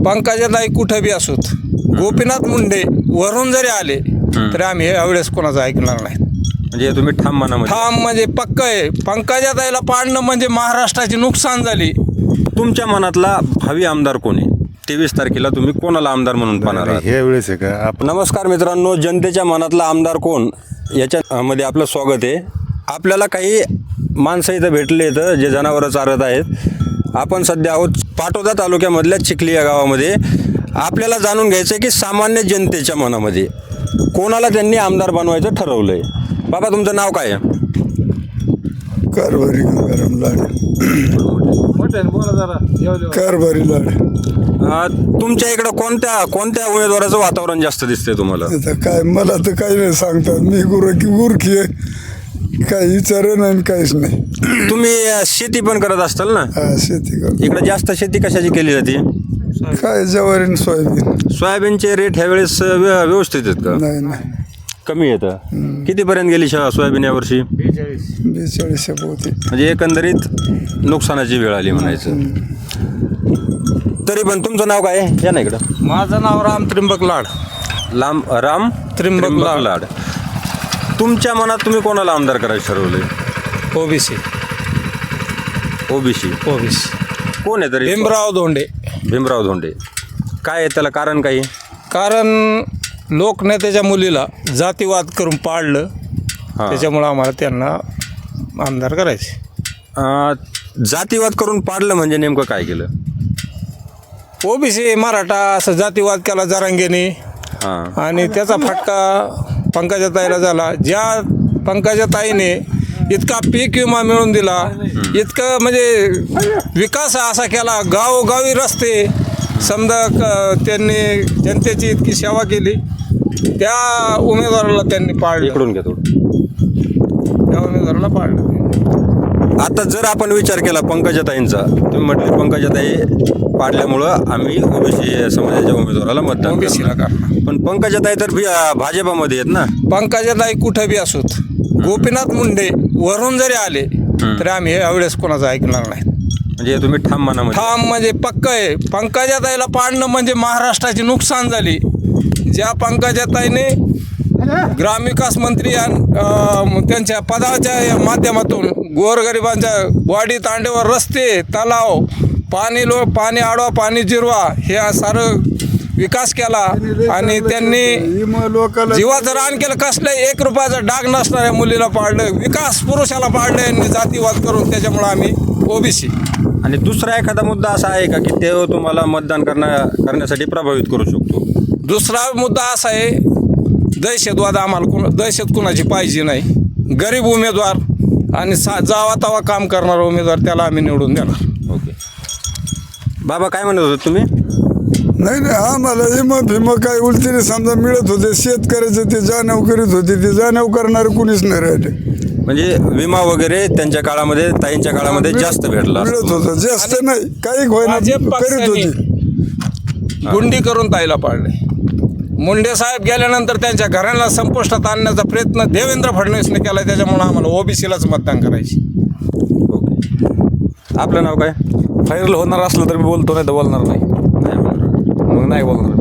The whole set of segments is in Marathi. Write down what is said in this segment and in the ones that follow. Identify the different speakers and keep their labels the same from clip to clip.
Speaker 1: पंकजाताई कुठं बी असोत, गोपीनाथ मुंडे वरून जरी आले तरी आम्ही यावेळेस कोणाचं ऐकणार नाही.
Speaker 2: म्हणजे तुम्ही ठाम मनामध्ये
Speaker 1: ठाम म्हणजे पक्क आहे. पंकजाताईला पाडणं म्हणजे महाराष्ट्राची नुकसान झाली.
Speaker 2: तुमच्या मनातला भावी आमदार कोण आहे? 23 तारखेला तुम्ही कोणाला आमदार म्हणून पाहणार आहात?
Speaker 3: हे वेळेस आहे का आपण
Speaker 2: नमस्कार मित्रांनो, जनतेच्या मनातला आमदार कोण याच्यामध्ये आपलं स्वागत आहे. आपल्याला काही माणसं इथं भेटले इथं जे जनावरं चारत आहेत. आपण सध्या आहोत पाटोदा तालुक्यामधल्या चिखली या गावामध्ये. आपल्याला जाणून घ्यायचं आहे की सामान्य जनतेच्या मनामध्ये कोणाला त्यांनी आमदार बनवायचं ठरवलं आहे. बाबा, तुमचं नाव काय आहे?
Speaker 4: कारभारी गंगाराम लाड. कारभारी लाड.
Speaker 2: तुमच्या इकडं कोणत्या उमेदवाराचं वातावरण जास्त दिसतंय तुम्हाला?
Speaker 4: आता काय मला तर काही नाही सांगतात. मी गुरखी आहे, काही विचार नाही काहीच नाही.
Speaker 2: तुम्ही शेती पण करत असताल ना?
Speaker 4: हा, शेती करतो.
Speaker 2: इकडे जास्त शेती कशाची केली जाते?
Speaker 4: काय ज्वारी सोयाबीन.
Speaker 2: सोयाबीनचे रेट ह्या वेळेस व्यवस्थित आहेत का?
Speaker 4: नाही
Speaker 2: कमी येतं. कितीपर्यंत गेली सोयाबीन यावर्षी?
Speaker 4: 42 होते.
Speaker 2: म्हणजे एकंदरीत नुकसानाची वेळ आली म्हणायचं. तरी पण तुमचं नाव काय आहे? या ना इकडं.
Speaker 1: माझं नाव राम त्रिंबक लाड.
Speaker 2: राम
Speaker 1: त्रिंबक
Speaker 2: लाड. तुमच्या मनात तुम्ही कोणाला आमदार करायचं ठरवलंय?
Speaker 1: ओबीसी.
Speaker 2: ओबीसी कोण आहे तरी? भीमराव धोंडे. काय आहे त्याला कारण? काही
Speaker 1: कारण लोकनेत्याच्या मुलीला जातीवाद करून पाडलं, त्याच्यामुळं आम्हाला त्यांना आमदार करायचे.
Speaker 2: जातीवाद करून पाडलं म्हणजे नेमकं काय केलं?
Speaker 1: ओबीसी मराठा असं जातीवाद केला जरांगेने, आणि त्याचा फटका पंकजाताईला झाला. ज्या पंकजाताईने इतका पीक विमा मिळवून दिला, इतकं म्हणजे विकास असा केला, गावोगावी रस्ते समजा त्यांनी जनतेची इतकी सेवा केली, त्या उमेदवाराला त्यांनी पाडलं.
Speaker 2: इकडून घ्या थोडं.
Speaker 1: त्या उमेदवाराला पाडलं.
Speaker 2: आता जर आपण विचार केला पंकजाताईंचा, तुम्ही म्हटले पंकजाताई पाडल्यामुळं आम्ही ओबीसी समाजाच्या उमेदवाराला मतदान करणार. पण पंकजाताई तर भाजपामध्ये आहेत ना?
Speaker 1: पंकजाताई कुठं बी असोत, गोपीनाथ मुंडे वरून जरी आले तरी आम्ही यावेळेस कोणाचं ऐकणार नाही.
Speaker 2: म्हणजे तुम्ही ठाम मनामध्ये
Speaker 1: ठाम म्हणजे पक्क आहे. पंकजाताईला पाडणं म्हणजे महाराष्ट्राची नुकसान झाली. ज्या पंकजाताईने ग्रामविकास मंत्री त्यांच्या पदाच्या माध्यमातून गोरगरिबांच्या वाडी तांडेवर रस्ते, तलाव, पाणी आडवा, पाणी जिरवा हे सारं विकास केला, आणि त्यांनी जीवाचं रान केलं. कसलं 1 रुपयाचा डाग नसणाऱ्या मुलीला पाडलं, विकास पुरुषाला पाडलं यांनी जातीवाद करून. त्याच्यामुळं आम्ही ओबीसी.
Speaker 2: आणि दुसरा एखादा मुद्दा असा आहे का की ते तुम्हाला मतदान करण्यासाठी प्रभावित करू शकतो?
Speaker 1: दुसरा मुद्दा असा आहे, दहशतवाद. आम्हाला दहशत कुणाची पाहिजे नाही. गरीब उमेदवार आणि जावा तवा काम करणारा उमेदवार, त्याला आम्ही निवडून देणार.
Speaker 2: ओके. बाबा, काय म्हणत होते तुम्ही?
Speaker 4: नाही आम्हाला भीमा काय उलटीने समजा मिळत होते. शेतकऱ्याचे ते जाणीव करीत होते, ते जाणीव करणारे कुणीच नाही राहिले.
Speaker 2: म्हणजे विमा वगैरे त्यांच्या काळामध्ये, ताईंच्या काळामध्ये जास्त भेटला
Speaker 4: मिळत होतं. जास्त नाही, काही होईना करीत होती.
Speaker 1: गुंडी करून ताईला पाडले. मुंडे साहेब गेल्यानंतर त्यांच्या घराला संपुष्टात आणण्याचा प्रयत्न देवेंद्र फडणवीसने केला. त्याच्यामुळे आम्हाला ओबीसीलाच मतदान करायचे.
Speaker 2: ओके. आपलं नाव काय?
Speaker 5: व्हायरल होणार असलं तर मी बोलतो, नाही तर बोलणार नाही. मग नाही बोलणार.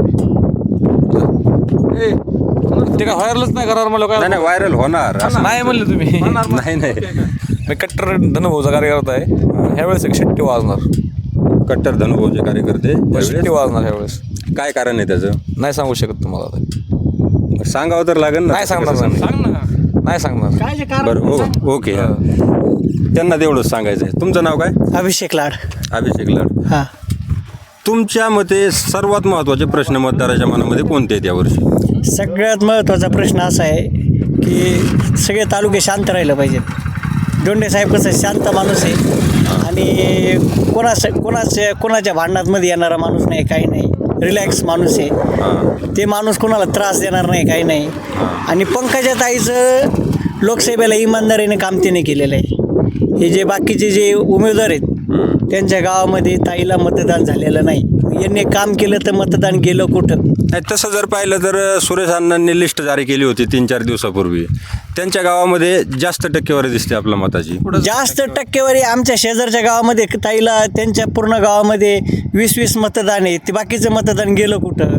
Speaker 5: ते काय व्हायरलच नाही करणार मला. काय
Speaker 2: नाही, व्हायरल होणार
Speaker 5: नाही म्हणले तुम्ही?
Speaker 2: नाही
Speaker 5: मी कट्टर धनुभाऊचा कार्यकर्ता आहे. ह्यावेळेस एक शिट्टी वाजणार.
Speaker 2: कट्टर धनुभाऊचे कार्यकर्ते
Speaker 5: शिट्टी वाजणार ह्यावेळेस.
Speaker 2: काय कारण आहे त्याचं?
Speaker 5: नाही सांगू शकत तुम्हाला आता.
Speaker 2: सांगावं तर लागेल ना.
Speaker 5: नाही सांगणार. नाही सांगणार.
Speaker 2: बरं, ओके. त्यांना तेवढंच सांगायचं आहे. तुमचं नाव काय?
Speaker 6: अभिषेक लाड.
Speaker 2: अभिषेक लाड.
Speaker 6: हां.
Speaker 2: तुमच्या मते सर्वात महत्त्वाचे प्रश्न मतदाराच्या मनामध्ये कोणते आहेत यावर्षी?
Speaker 6: सगळ्यात महत्त्वाचा प्रश्न असा आहे की सगळे तालुके शांत राहिलं पाहिजेत. दोंडे साहेब कसं शांत माणूस आहे, आणि कोणाच्या भांडणात येणारा माणूस नाही, काही नाही. रिलॅक्स माणूस आहे. ते माणूस कोणाला त्रास देणार नाही, काही नाही. आणि पंकजाताईचं लोकसभेला इमानदारीने काम त्याने केलेलं आहे. हे जे बाकीचे जे उमेदवार आहेत त्यांच्या गावामध्ये ताईला मतदान झालेलं नाही. यांनी काम केलं तर मतदान गेलं कुठं.
Speaker 2: नाही, तसं जर पाहिलं तर सुरेश अण्णांनी लिस्ट जारी केली होती 3-4 दिवसापूर्वी. त्यांच्या गावामध्ये जास्त टक्केवारी दिसते आपल्या मताची.
Speaker 6: जास्त टक्केवारी आमच्या शेजारच्या गावामध्ये ताईला त्यांच्या पूर्ण गावामध्ये 20-20 मतदान आहे. ते बाकीचं मतदान गेलं कुठं.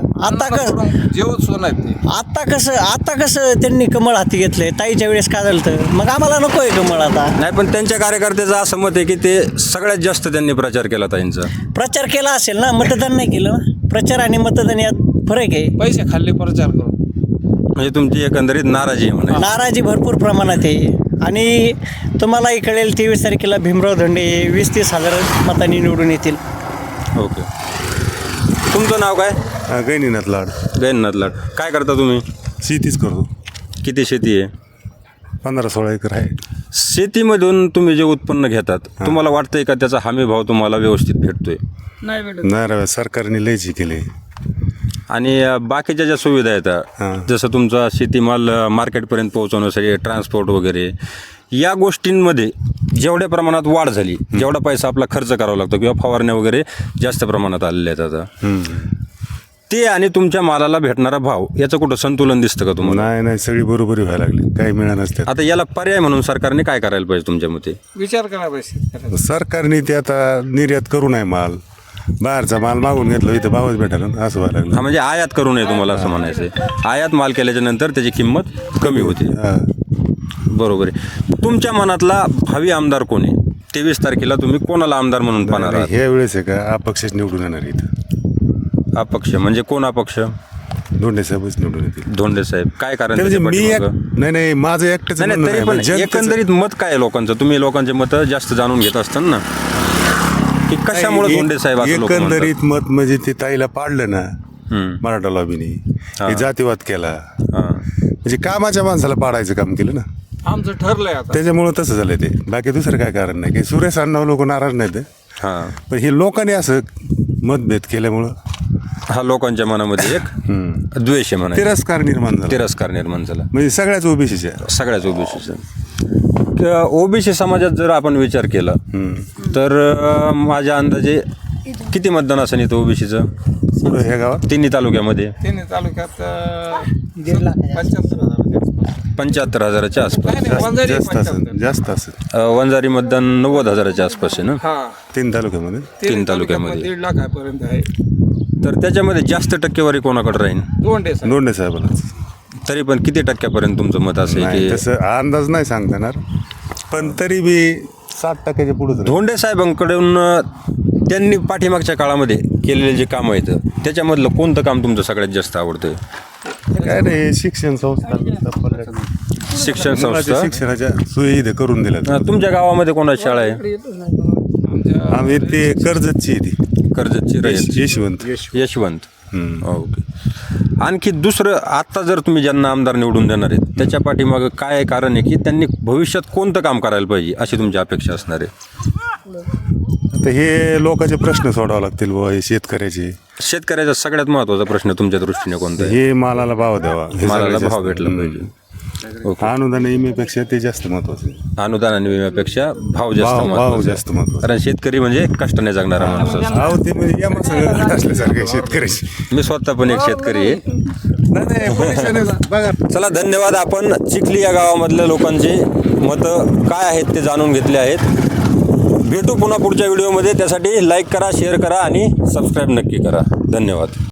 Speaker 1: जेवत सोन आहेत ते.
Speaker 6: आता कसं त्यांनी कमळ हाती घेतलंय. ताईच्या वेळेस काय झालं तर मग आम्हाला नको आहे कमळ आता.
Speaker 2: नाही, पण त्यांच्या कार्यकर्त्याचं असं मत आहे की ते सगळ्यात जास्त त्यांनी प्रचार केला ताईंचा.
Speaker 6: प्रचार केला असेल ना, मतदान नाही केलं ना. प्रचार आणि मतदान यात फरक आहे.
Speaker 1: पैसे खाल्ले प्रचार करून.
Speaker 2: म्हणजे तुमची एकंदरीत नाराजी आहे म्हणा.
Speaker 6: नाराजी भरपूर प्रमाणात आहे. आणि तुम्हालाही कळेल 23 तारखेला भीमराव धोंडे 20-30 हजार मतांनी निवडून येतील.
Speaker 2: ओके. तुमचं नाव काय?
Speaker 3: गैनीनाथ लाड.
Speaker 2: गैननाथ लाड. काय करता तुम्ही?
Speaker 3: शेतीच करतो.
Speaker 2: किती शेती आहे?
Speaker 3: 15-16 एकर आहे.
Speaker 2: शेतीमधून तुम्ही जे उत्पन्न घेतात तुम्हाला वाटतंय का त्याचा हमी भाव तुम्हाला व्यवस्थित भेटतोय?
Speaker 3: नाही रे, सरकारने लयची केली.
Speaker 2: आणि बाकीच्या ज्या सुविधा आहेत जसं तुमचा शेतीमाल मार्केटपर्यंत पोहोचवण्यासाठी ट्रान्सपोर्ट वगैरे या गोष्टींमध्ये जेवढ्या प्रमाणात वाढ झाली, जेवढा पैसा आपला खर्च करावा लागतो किंवा फवारण्या वगैरे जास्त प्रमाणात आलेले आहेत आता, ते आणि तुमच्या मालाला भेटणारा भाव याचं कुठं संतुलन दिसतं का तुम्हाला?
Speaker 3: नाही, सगळी बरोबरी व्हायला लागली. काही मिळालं नसतं.
Speaker 2: आता याला पर्याय म्हणून सरकारने काय करायला पाहिजे तुमच्या मते?
Speaker 1: विचार करा पाहिजे.
Speaker 3: सरकारने ते आता निर्यात करू नये माल. बाहेरचा माल मागून घेतला इथं भावच भेटायला असं व्हायला लागलं.
Speaker 2: हा, म्हणजे आयात करू नये तुम्हाला असं म्हणायचं आहे. आयात माल केल्याच्या नंतर त्याची किंमत कमी होते. बरोबर आहे. तुमच्या मनातला भावी आमदार कोण आहे? 23 तारखेला तुम्ही कोणाला आमदार म्हणून पाहणार आहात?
Speaker 3: ह्या वेळेस आहे का अपक्षच निवडून येणार इथं.
Speaker 2: अपक्ष म्हणजे कोण अपक्ष?
Speaker 3: धोंडे साहेबच निवडून येतील.
Speaker 2: धोंडे साहेब. काय कारण
Speaker 3: म्हणजे
Speaker 2: त्याच्या
Speaker 3: मी
Speaker 2: पाठीमागं?
Speaker 3: नाही माझं एकटंच
Speaker 2: नाही,
Speaker 3: म्हणणं
Speaker 2: तरी
Speaker 3: नाही.
Speaker 2: पण
Speaker 3: जनतेचं-
Speaker 2: एकंदरीत मत काय आहे लोकांचं? तुम्ही लोकांचे मत जास्त जाणून घेत असतात ना, की कशामुळे धोंडे साहेब असं लोक म्हणतात?
Speaker 3: एकंदरीत मत म्हणजे ते ताईला पाडलं ना मराठा लॉबीने. हे जातीवाद केला. म्हणजे कामाच्या माणसाला पाडायचं काम केलं ना.
Speaker 1: आमचं ठरलंय आता.
Speaker 3: त्याच्यामुळं तसं झालं ते. बाकी दुसरं काय कारण नाही. की सुरेश अण्णा लोक नाराज नाहीत.
Speaker 2: हां,
Speaker 3: पण हे लोकांनी असं मतभेद केल्यामुळं
Speaker 2: हा लोकांच्या मनामध्ये एक द्वेष आहे म्हणा,
Speaker 3: तिरस्कार निर्माण झाला.
Speaker 2: तिरस्कार निर्माण झाला
Speaker 3: म्हणजे सगळ्याच ओबीसीच्या.
Speaker 2: सगळ्याच ओबीसीचा. ओबीसी समाजात जर आपण विचार केला तर माझ्या अंदाजे किती मतदान असेल इथं ओबीसीचं
Speaker 3: ह्या गावात
Speaker 2: तिन्ही तालुक्यामध्ये?
Speaker 1: तिन्ही तालुक्यात
Speaker 2: 75,000च्या आसपास.
Speaker 3: जास्त असेल.
Speaker 2: वंजारी मतदान 90,000च्या आसपास आहे ना,
Speaker 1: हा
Speaker 3: 3 तालुक्यामध्ये.
Speaker 2: 3 तालुक्यामध्ये.
Speaker 1: 1.5 लाखापर्यंत आहे.
Speaker 2: तर त्याच्यामध्ये जास्त टक्केवारी कोणाकडे राहील?
Speaker 3: धोंडे साहेबांनाच.
Speaker 2: तरी पण किती टक्क्यापर्यंत तुमचं मत असेल
Speaker 3: नाही,
Speaker 2: की?
Speaker 3: तसं अंदाज नाही सांगता येणार. पण तरी बी 60% पुढे.
Speaker 2: धोंडे साहेबांकडून त्यांनी पाठीमागच्या काळामध्ये केलेले जे काम आहेत त्याच्यामधलं कोणतं काम तुमचं सगळ्यात जास्त आवडतं?
Speaker 3: काय नाही, शिक्षण संस्था
Speaker 2: शिक्षण
Speaker 3: मुलाच्या
Speaker 2: संस्था.
Speaker 3: शिक्षणाच्या सोयी इथे करून दिल्या.
Speaker 2: तुमच्या गावामध्ये कोणाची शाळा आहे?
Speaker 3: आम्ही ते कर्जतची ती
Speaker 2: कर्जतची रयत.
Speaker 3: यशवंत.
Speaker 2: यशवंत. ओके. आणखी दुसरं, आत्ता जर तुम्ही ज्यांना आमदार निवडून देणार आहेत त्याच्या पाठीमागं काय कारण आहे की त्यांनी भविष्यात कोणतं काम करायला पाहिजे अशी तुमची अपेक्षा असणार आहे?
Speaker 3: आता हे लोकांचे प्रश्न सोडावे लागतील बुवा. हे
Speaker 2: शेतकऱ्याचा सगळ्यात महत्त्वाचा प्रश्न तुमच्या दृष्टीने कोणता आहे?
Speaker 3: हे मालाला भाव द्यावा. हे
Speaker 2: मालाला
Speaker 3: सगळ्यात
Speaker 2: भाव
Speaker 3: जास्त.
Speaker 2: भेटला पाहिजे. ओके.
Speaker 3: अनुदान विम्यापेक्षा ते जास्त महत्वाचं आहे.
Speaker 2: अनुदान आणि विम्यापेक्षा भाव जास्त
Speaker 3: भाव
Speaker 2: महत्त्वाचा आहे.
Speaker 3: जास्त महत्वाचा.
Speaker 2: कारण शेतकरी म्हणजे कष्टाने जगणारा माणूस असतो.
Speaker 3: अहो ते म्हणजे या सगळं असल्यासारखं शेतकऱ्याची.
Speaker 2: मी स्वतः पण एक शेतकरी आहे.
Speaker 3: नाही, पैशाने बघा.
Speaker 2: चला, धन्यवाद. आपण चिखली या गावामधल्या लोकांची मतं काय आहेत ते जाणून घेतले आहेत. भेटू पुन्हा पुढच्या व्हिडिओमध्ये. त्यासाठी लाईक करा, शेअर करा आणि सबस्क्राईब नक्की करा. धन्यवाद.